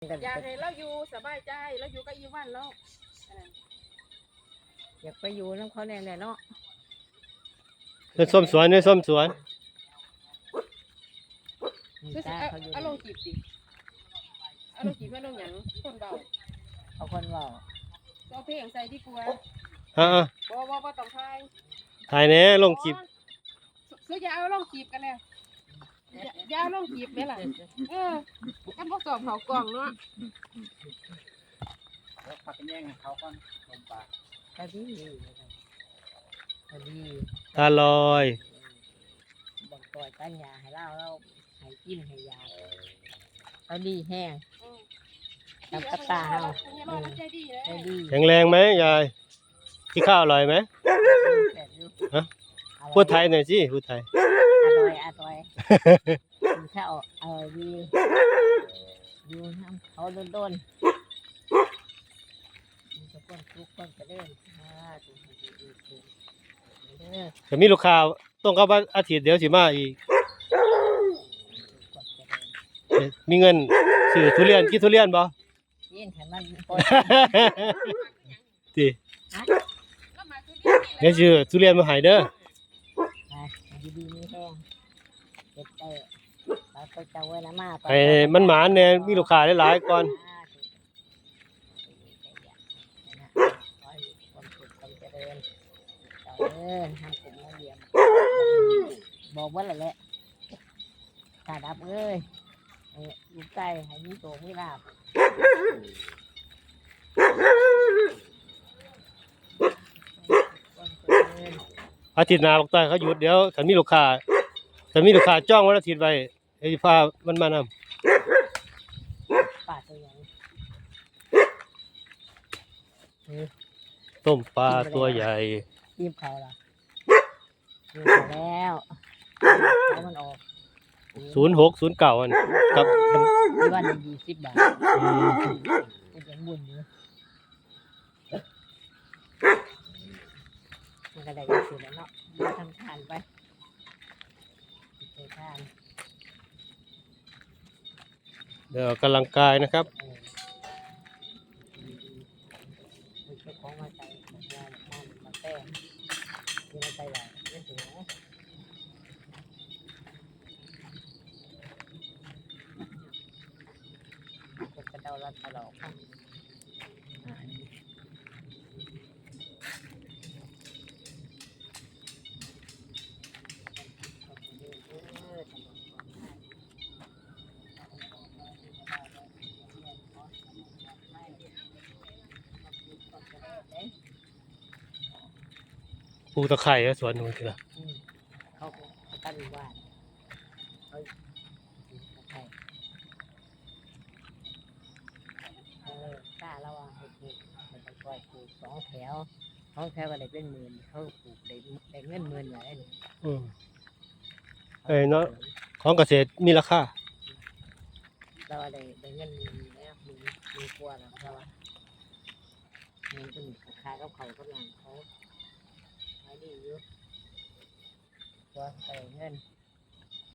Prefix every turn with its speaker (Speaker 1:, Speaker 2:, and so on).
Speaker 1: อยากให้เราอยู่สบายใจเราอยู่กับอีวันแล้ว
Speaker 2: อยากไปอยู่น้ำเขาแน่ๆเนาะ
Speaker 3: เนี่ยส้มสวนเนี่ยส้มสวน
Speaker 1: เอาลงจีบดิเอาลงจีบไม่ลงหยังคนเบา
Speaker 2: เอาคนเบา
Speaker 1: เอาเพลงใส่ที่กลัวบ่ต้องทาย
Speaker 3: ถ่ายแน่ลงคลิป
Speaker 1: ซื้อยาเอาลงจีบกันแล้วยาลงจีบเนี่ยแหละกันพวกสอบเขากล่องเนาะ
Speaker 4: แล้วพักกันแย่งเขาก่อนลงปาก
Speaker 2: ตาดี
Speaker 3: ตาลอย
Speaker 2: บังปล่อยตั้งยาให้เราให้กินให้ยาเราดีแห้งทำกระตาเฮา
Speaker 1: ใจดี
Speaker 3: แข็งแรงไหมยายที่ข้าวอร่อยไหมฮะพูดไทยหน่อยสิพูดไทย
Speaker 2: อร่อยกินข้าวอร่อยดีอยู่ทำเขาโดนทุกคนจะเดิน
Speaker 3: จะมีลูกค้าต้องเข้าบ้านอาทิตย์เดียวสิมาอีกมีเงินซื้อทุเรียนกินทุเรียนบ่
Speaker 2: ยินให้มัน
Speaker 3: ติเดี๋ยวซื้อทุเรียนมาให้เด้อ
Speaker 2: ดีมีแห้งเก็บได้เราก็จะไว้ละมา
Speaker 3: ให้มันหมานแน่มีลูกค้าหลายๆก่อน
Speaker 2: ทำกลุ่มมาเยี่ยมบอกว่าอะไรแหละตาดับเอ้ยลูกไก่ให้มีโตมีลาบ
Speaker 3: อาทิตย์หน้าบอกต้อยเขาหยุดเดี๋ยวถ้ามีลูกค้าจ้องวันอาทิตย์ไว้ให้พามันมานำ
Speaker 2: ป่าตัวใหญ่
Speaker 3: ต้มปลาตัวใหญ่
Speaker 2: ยิ้มเขาละยิ้มเขาแล้วมันออก
Speaker 3: 0609อันกับ
Speaker 2: วัน20 บาทเป็นยังบุญอยู่มันก็ได้สิแล้วเนาะทำทานไปทาน
Speaker 3: เดี๋ยวกำลังกายนะครับ
Speaker 2: ของมาใส่มาแป้งที่มาใส่หลายไม่ถึงนะกระเดาลัดตลอดครับ
Speaker 3: ปลูกตะไคร้สวนนู้นทีละ
Speaker 2: เขาตั้งบ้านเขาตะไคร้กล้าแล้วอ่ะปลูกมันต้องปล่อยปลูก2 แถวก็ได้เป็นหมื่นเขาปลูกได้เงินหมื่นอย่างนี้
Speaker 3: เนาะของเกษตรมีราคา
Speaker 2: เราได้เงินแล้วมีกลัวแล้วเพราะว่าเงินเป็นราคาเขากำลังเขาไม่ดีอยู่ตัวใส่เงิน